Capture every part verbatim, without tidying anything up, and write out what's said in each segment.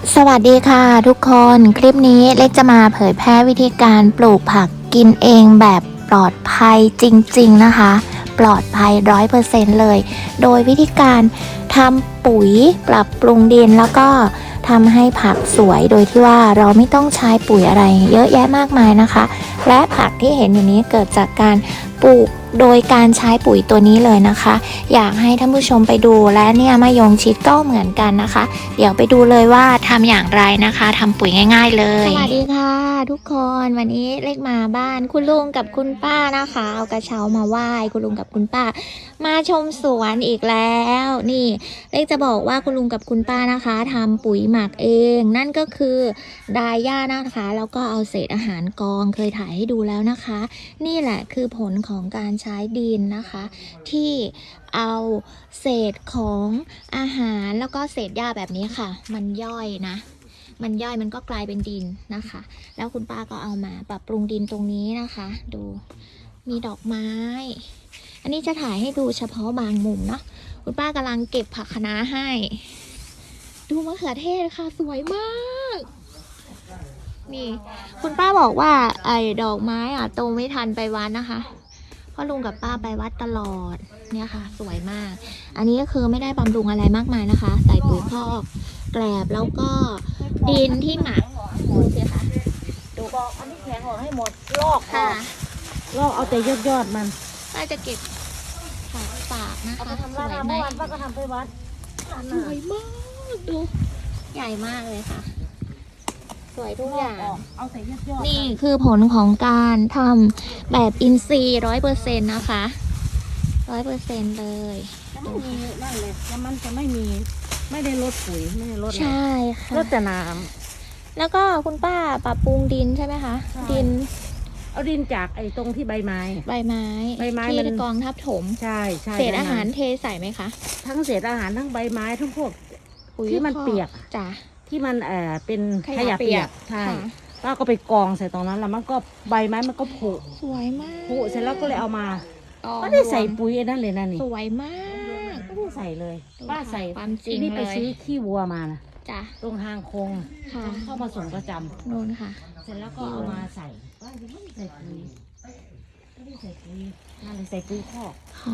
สวัสดีค่ะทุกคนคลิปนี้เล็กจะมาเผยแพร่วิธีการปลูกผักกินเองแบบปลอดภัยจริงๆนะคะปลอดภัย ร้อยเปอร์เซ็นต์ เลย โดยวิธีการทำปุ๋ยปรับปรุงดินแล้วก็ทำให้ผักสวยโดยที่ว่าเราไม่ต้องใช้ปุ๋ยอะไรเยอะแยะมากมายนะคะและผักที่เห็นอยู่นี้เกิดจากการปลูกโดยการใช้ปุ๋ยตัวนี้เลยนะคะอยากให้ท่านผู้ชมไปดูและเนี่ยมะยงชิดก็เหมือนกันนะคะเดี๋ยวไปดูเลยว่าทำอย่างไรนะคะทำปุ๋ยง่ายๆเลยสวัสดีค่ะทุกคนวันนี้เล็กมาบ้านคุณลุงกับคุณป้านะคะเอากระเช้ามาไหว้คุณลุงกับคุณป้ามาชมสวนอีกแล้วนี่เล็กจะบอกว่าคุณลุงกับคุณป้านะคะทำปุ๋ยหมักเองนั่นก็คือดาย่านะคะแล้วก็เอาเศษอาหารกองเคยถ่ายให้ดูแล้วนะคะนี่แหละคือผลของการใช้ดินนะคะที่เอาเศษของอาหารแล้วก็เศษหญ้าแบบนี้ค่ะมันย่อยนะมันย่อยมันก็กลายเป็นดินนะคะแล้วคุณป้าก็เอามาปรับปรุงดินตรงนี้นะคะดูมีดอกไม้อันนี้จะถ่ายให้ดูเฉพาะบางมุมเนาะคุณป้ากำลังเก็บผักคะน้าให้ดูมะเขือเทศค่ะสวยมากนี่คุณป้าบอกว่าไอ้ดอกไม้อ่ะโตไม่ทันไปวัดนะคะเพราะลุงกับป้าไปวัดตลอดเนี่ยค่ะสวยมากอันนี้ก็คือไม่ได้บำรุงอะไรมากมายนะคะใส่ปุ๋ยคอกแกลบแล้วก็ดินที่หมักดูสิคะดูบอกอันนี้แข็งออกให้หมดลอกค่ะลอกเอาแต่ยอดยอดมันป้าจะเก็บฝากฝากนะคะสวยไหมป้าก็ทำไปวัดสวยมากดูใหญ่มากเลยค่ะสวยทุกอย่างเอาแต่ยอดยอดนี่คือผลของการทำแบบอินทรีย์ร้อยเปอร์เซ็นต์นะคะร้อยเปอร์เซ็นต์เลยจะไม่มีนั่นเลยแล้วมันจะไม่มีไม่ได้ลดปุ๋ยไม่ได้ลดใช่ค่ะลดแต่น้ำแล้วก็คุณป้าปรับปรุงดินใช่ไหมคะดินเอาดินจากไอ้ตรงที่ใบไม้ใบไม้ใบไม้ที่กองทับถมใช่ใช่เศษอาหารเทใส่ไหมคะทั้งเศษอาหารทั้งใบไม้ทั้งพวกที่มันเปียกจ้ะที่มันเอ่อเป็นขยะเปียกใช่ป้าก็ไปกองใส่ตรงนั้นแล้วมันก็ใบไม้มันก็ผุสวยมากผุเสร็จแล้วก็เลยเอามาก็ได้ใส่ปุ๋ยนั่นเลยนั่นนี่สวยมากไม่ได้ใส่เลยป้าใส่ความจริงนี่ไปเลยซื้อขี้วัวมานะจ้ะตรงทางโค้งเข้ามาส่งประจำนู่นค่ะเสร็จแล้วก็เอามาใส่ป้าไม่ได้ใส่ปุ๋ยไม่ได้ใส่ปุ๋ยนั่นเลยใส่ปุ๋ยคอกค่ะ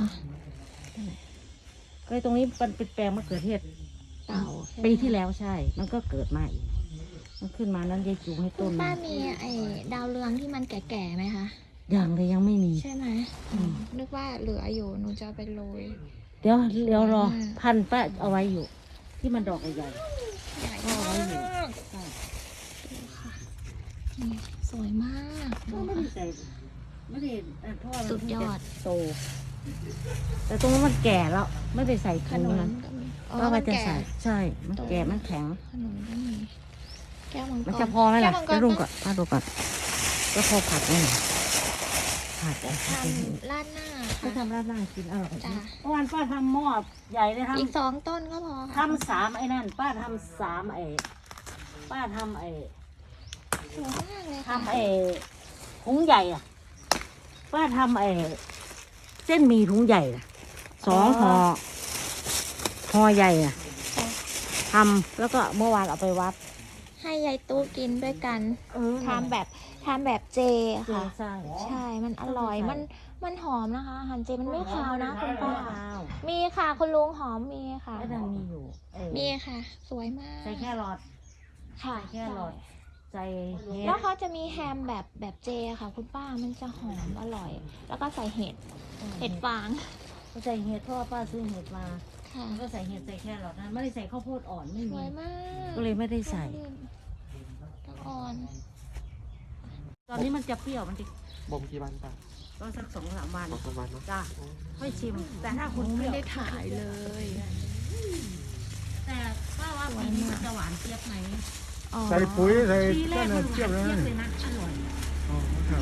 ก็ตรงนี้มันเป็นแปลงมะเขือเทศเต่าปีที่แล้วใช่มันก็เกิดมาอีกมันขึ้นมานั้นยายจูงให้ต้นป้ามีไอ้ดาวเรืองที่มันแก่ๆไหมคะยังเลยยังไม่มีใช่ไหมนึกว่าเหลืออยู่หนูจะไปโรยเดี๋ยวเดี๋ยวรอพันป้าเอาไว้อยู่ที่มันดอกใหญ่ใหญ่ก็เอาไว้อยู่ใช่ดูค่ะนี่สวยมากก็ไม่ได้ใส่ไม่ได้เพราะสุดยอดโตแต่ตรงนั้นมันแก่แล้วไม่ได้ใส่ขนมนั้นก็มันจะใส่ใช่มันแก่มันแข็งขนมก็มีแก้วมังกรมันจะพอไหมล่ะจะรุ่งก่อนป้าดูก่อนก็พอผัดได้ผัดทำราดหน้าก็ทำราดหน้ากินอร่อยเมื่อวานป้าทำหม้อใหญ่เลยทำอีกสองต้นก็พอทำสามไอ้นั่นป้าทำสามไอ้ป้าทำไอ้สวยมากเลยทำไอ้ถุงใหญ่อ่ะป้าทำไอ้เส้นหมี่ถุงใหญ่สองห่อห่อใหญ่อ่ะทำแล้วก็เมื่อวานเอาไปวัดให้ยายตู้กินด้วยกันทำแบบทำแบบเจค่ะใช่ใช่มันอร่อยมันมันหอมนะคะอาหารเจมันไม่คาวนะคุณป้ามีค่ะคุณลุงหอมมีค่ะก็ยังมีอยู่มีค่ะสวยมากใส่แค่รอดค่ะแค่รอดใส่เห็ดแล้วเขาจะมีแฮมแบบแบบเจค่ะคุณป้ามันจะหอมอร่อยแล้วก็ใส่เห็ดเห็ดฟางใส่เห็ดเพราะว่าป้าซื้อเห็ดมาก็ใส่เห็ดใส่แค่รอดนะไม่ได้ใส่ข้าวโพดอ่อนไม่มีก็เลยไม่ได้ใส่อ่อนตอนนี้มันจะเปรี้ยวมันจะบ่มกี่วันป่ะก็สักสองสามวันสองวันเนาะจ้าค่อยชิมแต่ถ้าคุณไม่ได้ถ่ายเลยแต่ป้าว่าปีนี้จะหวานเจี๊ยบไหมใส่ปุ๋ยใส่ก็เนเจี๊ยบเลยนะอร่อยอ๋อครับ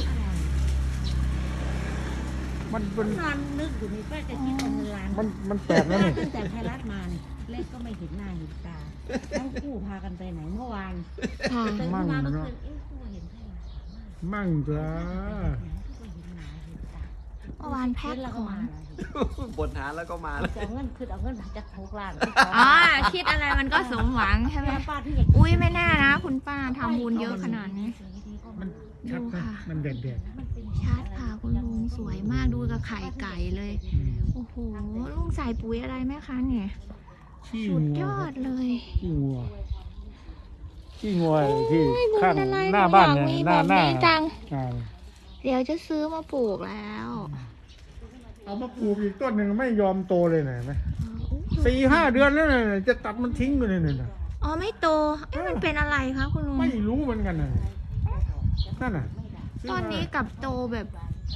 มันเป็นนอนนึกอยู่นี่ป้าจะคิดเป็นร้านมันมันแปลกนะนี่ตั้งแต่ไทยรัฐมาเนี่ยเล็กก็ไม่เห็นหน้าเห็นตาทั้งคู่พากันไปไหนเมื่อวานมั่งเนาะมั่งจ้ามื่อวานแพ็คแล้วขก็องมาบทหาแล้วก็มาแล้วจะเอาเงินคือเอาเงินจากหกล้านอ๋อคิดอะไรมันก็สมหวังใช่ไหมป้าที่อยากอุ้ยไม่แน่นะ คุณป้าทำบุญเยอะขนาดนี้มันชัดดูนะค่ะมันเด็ดเด็ดชัดค่ะคุณลุงสวยมากดูกับไข่ไก่เลย โอ้โหลุงใส่ปุ๋ยอะไรไหมคะเนี่ยขี้สุดงัยว อดเลยขี้งัวขี้งัวที่โอ้ยบุญข้างอะไรหน้าบ้านหนูเนี่ยอยากหน้ามีหน้าแบบนี้จังอ่าเดี๋ยวจะซื้อมาปลูกแล้วเอามาปลูกอีกต้นหนึ่งไม่ยอมโตเลยนะเห็นไหมอ๋ออุ๊ยสี่ห้าเดือนแล้วเนี่ยจะตัดมันทิ้งไปเลยเนี่ยนะอ๋อไม่โตเอ๊ะมันเป็นอะไรคะคุณลุงไม่รู้เหมือนกันนะนั่นน่ะซื้ต้นมานี้กับโตแบบ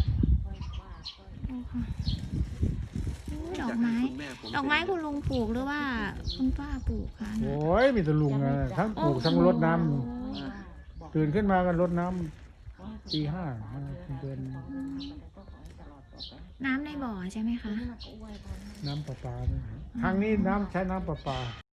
ดูค่ะอุ๊ยดอกไม้คุณแม่ผมดอกไม้คุณลุงปลูกหรือว่าคุณป้าปลูกคะโอ้ยมีแต่ลุงอะทั้งปลูกทั้งรดน้ำโอ้ตื่นขึ้นมากันรดน้ำตีห้าเดินน้ำในบ่อใช่ไหมคะน้ำประปาเนี่ยทางนี้น้ำใช้น้ำประปา